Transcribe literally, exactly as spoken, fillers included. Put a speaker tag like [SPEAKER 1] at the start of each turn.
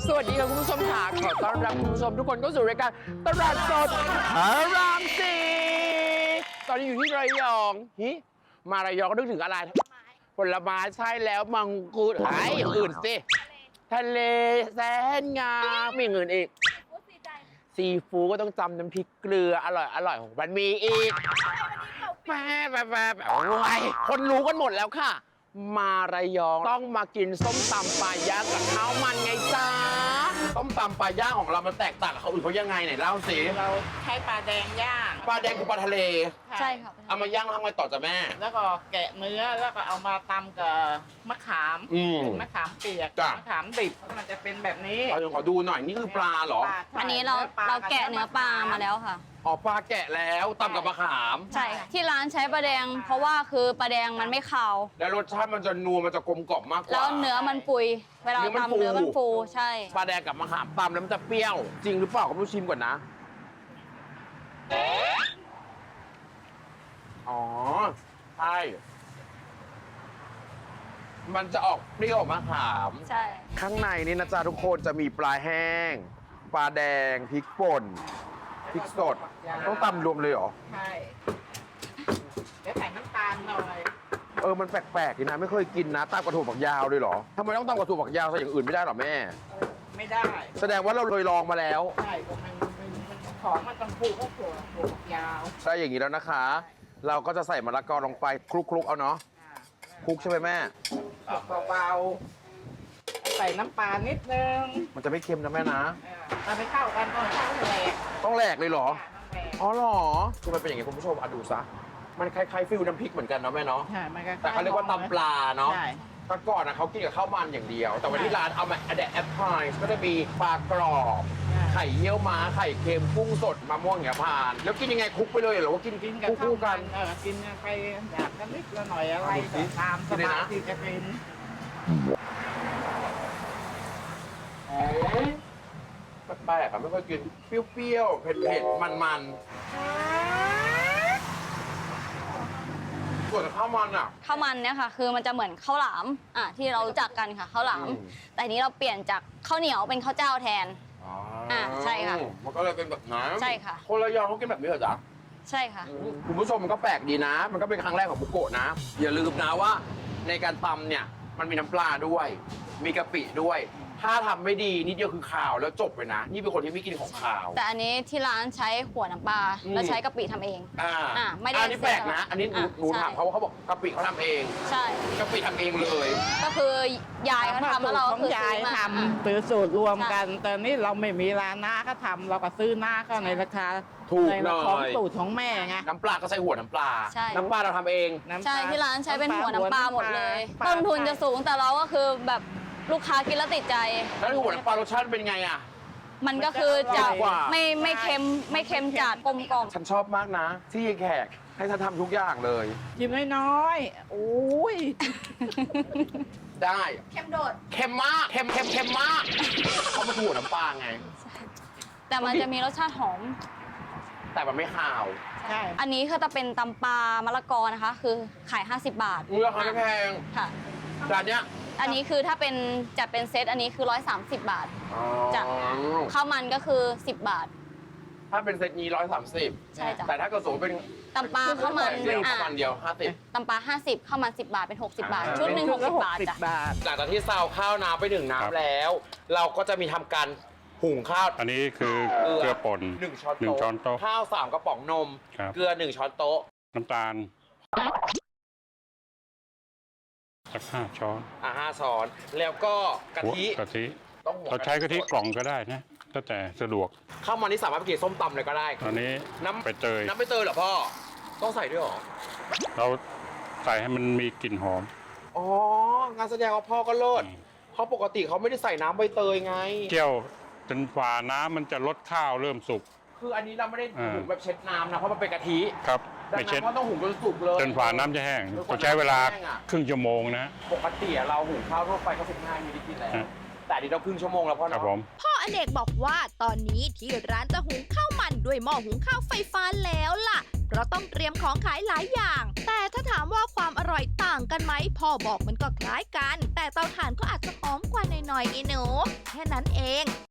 [SPEAKER 1] สวัสดีค่ะคุณผู้ชมค่ะขอต้อนรับคุณผู้ชมทุกคนเข้าสู่รายการตลาดสดพระรามสี่ตอนนี้อยู่ที่ระยองฮิมาระยองก็นึกถึงอะไรผลไม้ใช่แล้วมังคุดไอ้อย่างอื่นสิทะเลแสนงามมีอย่างอื่นอีกซีฟู้ดก็ต้องจำน้ำพริกเกลืออร่อยอร่อยของมันมีอีกแป๊บแป๊บแป๊บโอ้ยคนรู้กันหมดแล้วค่ะ มาระยองต้องมากินส้มตำปลาย่างกับข้าวมันไงจ้าส้มตำปลาย่างของเรามันแตกต่างกับเขาอื่นเขายังไงไหนเล่าสิ
[SPEAKER 2] เราใช้ปลาแดงย่าง
[SPEAKER 1] ปลาแดงคือปลาทะเล
[SPEAKER 3] ใช่ค่ะ
[SPEAKER 1] เอามาย่างแล้วทำไงต่อจ้ะแม่
[SPEAKER 2] แล้วก็แกะเนื้อแล้วก็เอามาตำกับมะขาม
[SPEAKER 1] อืม
[SPEAKER 2] เป็นมะขามเปียก
[SPEAKER 1] จ้ะ
[SPEAKER 2] มะขามดิบมันจะเป็นแบบนี้
[SPEAKER 1] เอาขอดูหน่อยนี่คือปลาเหรอ
[SPEAKER 2] ปลาใช่
[SPEAKER 3] อันนี้เรา
[SPEAKER 2] ปล
[SPEAKER 3] เราแกะเนื้อปลามาแล้วค่ะ
[SPEAKER 1] อ๋อปลาแกะแล้วตำกับมะขาม
[SPEAKER 3] ใช่ค่ะที่ร้านใช้ปลาแดง เพราะว่าคือปลาแดงมันไม่คาว
[SPEAKER 1] แล้วรสชาติมันจะนัวมันจะกลมกล่อมมากกว่า
[SPEAKER 3] แล้วเนื้อมันปุย เวลา
[SPEAKER 1] เนื้อมันฟู
[SPEAKER 3] ตำเนื้อมันฟูใช่
[SPEAKER 1] ปลาแดงกับมะขามตำแล้วมันจะเปรี้ยว จริงหรือเปล่าก็ไม่รู้ชิมก่อนนะ อ๋อใช่มันจะออกเปรี้ยวมะขาม
[SPEAKER 3] ใช่
[SPEAKER 1] ข้างในนี่นะจ๊ะทุกคนจะมีปลาแห้ง ปลาแดงพริกป่นพริกสด ต้องตำรวมเลยเหรอ
[SPEAKER 2] ใช่เดี๋ยวใส่น้ำตาลหน่อย
[SPEAKER 1] เออมันแปลกๆดีนะไม่เคยกินนะตำกระถั่วฝักยาวเลยเหรอทำไมต้องตำกระถั่วฝักยาวใส่อย่างอื่นไม่ได้หรอแม่
[SPEAKER 2] ไม่ได้
[SPEAKER 1] แสดงว่าเราเคยลองมาแล้ว
[SPEAKER 2] ใช่ก็มันมันมันของมันต้องผูกก็ถั่วถั่วฝักยาว
[SPEAKER 1] ใช่อย่างนี้แล้วนะคะ เราก็จะใส่มะละกอลงไปคลุกๆเอาเนาะ
[SPEAKER 2] อ่า
[SPEAKER 1] คลุกใช่ไหมแม่
[SPEAKER 2] เบาๆใส่น้ำปลานิดนึง
[SPEAKER 1] มันจะไม่เค็มนะแม่นะ
[SPEAKER 2] อ่าเอาไปเข้ากันก่อนเข้าแหลก
[SPEAKER 1] ต้องแหลกเลยเหรอ
[SPEAKER 2] อ่าน้ำแหลก
[SPEAKER 1] อ๋อเหรอคือมันเป็นอย่างนี้คุณผู้ชมอ่ะดูซะมันคล้ายๆฟิลน้ำพริกเหมือนกันเนาะแม่เนาะ
[SPEAKER 2] ใช่มันก็
[SPEAKER 1] แต่เขาเรียกว่าตำปลาเนาะ
[SPEAKER 2] ใช่
[SPEAKER 1] แต่ก่อนนะเขากินกับข้าวมันอย่างเดียว แต่วันที่ร้านเอามาแดดแอปพลายก็จะมีปลากรอบ ไข่เยี่ยวม้า ไข่เค็มกุ้งสดมะม่วงอย่างเงี้ยผ่าน แล้วกินยังไงคลุกไปเลยเหรอว่ากิน
[SPEAKER 2] กินกับข้าว
[SPEAKER 1] คู่ๆ
[SPEAKER 2] กั
[SPEAKER 1] กัน น
[SPEAKER 2] เออกินไปอยากกันนิดละหน่อยอะไร
[SPEAKER 1] ดูสิ
[SPEAKER 2] ก็ตามส
[SPEAKER 1] กินเลย
[SPEAKER 2] บาย
[SPEAKER 1] นะ
[SPEAKER 2] ที่จะเป็น
[SPEAKER 1] แปลกๆอะไม่ค่อยกินเปรี้ยวๆเผ็ดๆมันๆส่วนข้าวมันอ่ะ
[SPEAKER 3] ข้าวมันเนี่ยค่ะ คือมันจะเหมือนข้าวหลามอ่ะที่เรารู้จักกันค่ะข้าวหลาม
[SPEAKER 1] อืม
[SPEAKER 3] แต่ทีนี้เราเปลี่ยนจากข้าวเหนียวเป็นข้าวเจ้าแทน อ่าใช่ค่ะ
[SPEAKER 1] มันก็เลยเป็นแบบนั้น
[SPEAKER 3] ใช่ค่ะ
[SPEAKER 1] คนระยองเขากินแบบนี้เหรอจ๊ะ
[SPEAKER 3] ใช่ค่ะ
[SPEAKER 1] คุณผู้ชมมันก็แปลกดีนะ มันก็เป็นครั้งแรกของบุโกะนะ อย่าลืมนะว่าในการตำเนี่ยมันมีน้ำปลาด้วย มีกะปิด้วย ถ้าทำไม่ดีนิดเดียวคือข่าวแล้วจบไปนะ นี่เป็นคนที่ไม่กินของข่าว
[SPEAKER 3] แต่อันนี้ที่ร้านใช้หัวน้ำปลา
[SPEAKER 1] อืม
[SPEAKER 3] แล้วใช้กะปิทำเอง
[SPEAKER 1] อ่า
[SPEAKER 3] อ่าไม่ได้
[SPEAKER 1] อันนี้แปลกนะ อันนี้หนู
[SPEAKER 3] อ่ะ
[SPEAKER 1] หนู
[SPEAKER 3] ใช่
[SPEAKER 1] ถามเขาว่าเขาบอกกะปิเขาทำเอง
[SPEAKER 3] ใช่
[SPEAKER 1] กะปิทำเองเลย
[SPEAKER 3] ก็คือยายเขาทำแล้วเรา
[SPEAKER 2] ข
[SPEAKER 3] ก็
[SPEAKER 2] อง
[SPEAKER 3] คือซื้
[SPEAKER 2] ยาย
[SPEAKER 3] อมา
[SPEAKER 2] ท
[SPEAKER 3] อ่ะ
[SPEAKER 2] ำซื้อสูตรรวมกัน แต่นี่เราไม่มีร้านหน้าก็ทำเราก็ซื้อหน้าก็ในราคา
[SPEAKER 1] ถูก
[SPEAKER 2] ใน
[SPEAKER 1] หน่
[SPEAKER 2] ของ
[SPEAKER 1] อย
[SPEAKER 2] สูตรของแม่ไง
[SPEAKER 1] น้ำปลาก็ใช้หัวน้ำปลา
[SPEAKER 3] ใช่
[SPEAKER 1] น้ำปลาเราทำเอง
[SPEAKER 2] น้ำ
[SPEAKER 3] ใช่
[SPEAKER 2] ตาล
[SPEAKER 3] ที่ร้านใช้เป็นหัวน้ำปลาหมดเลย
[SPEAKER 2] ปลา
[SPEAKER 3] ต้นทุนจะสูงแต่เราก็คือแบบลูกค้ากินแล้วติดใจ
[SPEAKER 1] แล้วหัวน้ำปลารสชาติเป็นไงอ่ะ
[SPEAKER 3] มันก็คือจะ
[SPEAKER 1] อร่อยกว่า
[SPEAKER 3] ไม่ไม่เค็มไม่เค็มจัดกลมกล่อม
[SPEAKER 1] ฉันชอบมากนะ ที่แขกให้ฉันทำทุกอย่างเลย
[SPEAKER 2] ชิมน้อยๆโอ้ย
[SPEAKER 1] ได้ เค็มโดด เค็มมาก เค็มเค็มเค็มมากเขามาถูน้ำปลาไง
[SPEAKER 3] แต่มันจะมีรสชาติหอม
[SPEAKER 1] แต่มันไม่ขาว
[SPEAKER 2] ใช่
[SPEAKER 3] อันนี้คือจะเป็นตำปลามะละกอนะคะ คือขายห้าสิบบาท
[SPEAKER 1] มูลค่าไม่แพง
[SPEAKER 3] ค่ะ
[SPEAKER 1] จานเนี้ย
[SPEAKER 3] อันนี้คือถ้าเป็นจัดเป็นเซตอันนี้คือร้อยสามสิบบาท
[SPEAKER 1] อ๋อ
[SPEAKER 3] จ้ะ ข้าวมันก็คือสิบบาท
[SPEAKER 1] ถ้าเป็นเซตนี้ร้อยสามสิบ
[SPEAKER 3] ใช่จ้ะ
[SPEAKER 1] แต่ถ้าเกิดสมมติเป็น
[SPEAKER 3] ตำปลาข้าวมัน
[SPEAKER 1] เดียว
[SPEAKER 3] อ่ะ
[SPEAKER 1] ข้าวมันเดียวห้าสิบ
[SPEAKER 3] ตำปลาห้าสิบข้าวมันสิบบาทเป็นหกสิบบาท
[SPEAKER 1] อ่า
[SPEAKER 3] ชุดหนึ่งหกสิบบาท
[SPEAKER 2] สิ
[SPEAKER 3] จ้ะ
[SPEAKER 2] บาท
[SPEAKER 1] หลังจากที่ซาวข้าวน้ำไปหนึ่ง
[SPEAKER 4] ครับ
[SPEAKER 1] น้ำแล้ว เราก็จะมีทำการหุงข้าว
[SPEAKER 4] อันนี้คือเกลือป่น
[SPEAKER 1] หนึ่งช้อน
[SPEAKER 4] หนึ่ง
[SPEAKER 1] โต๊ะ
[SPEAKER 4] ช้อนโต๊ะ
[SPEAKER 1] ข้าวสามกระป๋องนม
[SPEAKER 4] ครับ
[SPEAKER 1] เกลือหนึ่งช้อนโต๊ะ
[SPEAKER 4] น้ำตาลสักห้าช้อน
[SPEAKER 1] อ่ะห้าช้อน แล้วก็กะทิ
[SPEAKER 4] หัวกะทิ
[SPEAKER 1] ต้องหัว
[SPEAKER 4] เราใช้กะทิกล่องก็ได้นะแล้วแต่สะดวก
[SPEAKER 1] ข้าวมันนี่สามารถไปกินส้มตำเลยก็ได้
[SPEAKER 4] ตอนนี้
[SPEAKER 1] น้ำ
[SPEAKER 4] ไปเตย
[SPEAKER 1] น้ำไม่เตยเหรอพ่อ ต้องใส่ด้วยเหรอ
[SPEAKER 4] เราใส่ให้มันมีกลิ่นหอม
[SPEAKER 1] อ๋องานแสดงว่าพ่อก็เลิศเพราะปกติเขาไม่ได้ใส่น้ำใบเตยไง
[SPEAKER 4] เกี่ยวจนฝ่าน้ำมันจะลดข้าวเริ่มสุก
[SPEAKER 1] คืออันนี้เราไม่ได้
[SPEAKER 4] อ่า
[SPEAKER 1] หุงแบบเช็ดน้ำนะเพราะมันเป็นกะทิ
[SPEAKER 4] ครับ
[SPEAKER 1] ดัง
[SPEAKER 4] ไม่
[SPEAKER 1] นั้
[SPEAKER 4] เช็ด
[SPEAKER 1] นพ่อต้องหุงจนสุกเลย
[SPEAKER 4] จนฝ่าน้ำจะแห้งต้องใช้เวลาครึ่งชั่วโมงนะ
[SPEAKER 1] ปกติเราหุงข้าวทั่วไปก็สิบห้านาทีแล้ว
[SPEAKER 4] ฮะ
[SPEAKER 1] แต่อันนี้เราครึ่งชั่วโมงแล้วพ่อ
[SPEAKER 4] ครับ
[SPEAKER 1] เนาะ
[SPEAKER 4] ผม
[SPEAKER 5] พ่ออเนกบอกว่าตอนนี้ที่ร้านจะหุงข้าวมันด้วยหม้อหุงข้าวไฟฟ้าแล้วล่ะเพราะต้องเตรียมของขายหลายอย่าง แต่ถ้าถามว่าความอร่อยต่างกันไหมพ่อบอกมันก็คล้ายกัน แต่เตาถ่านก็อาจจะหอมกว่าหน่อยๆไอ้หนูแค่นั้นเอง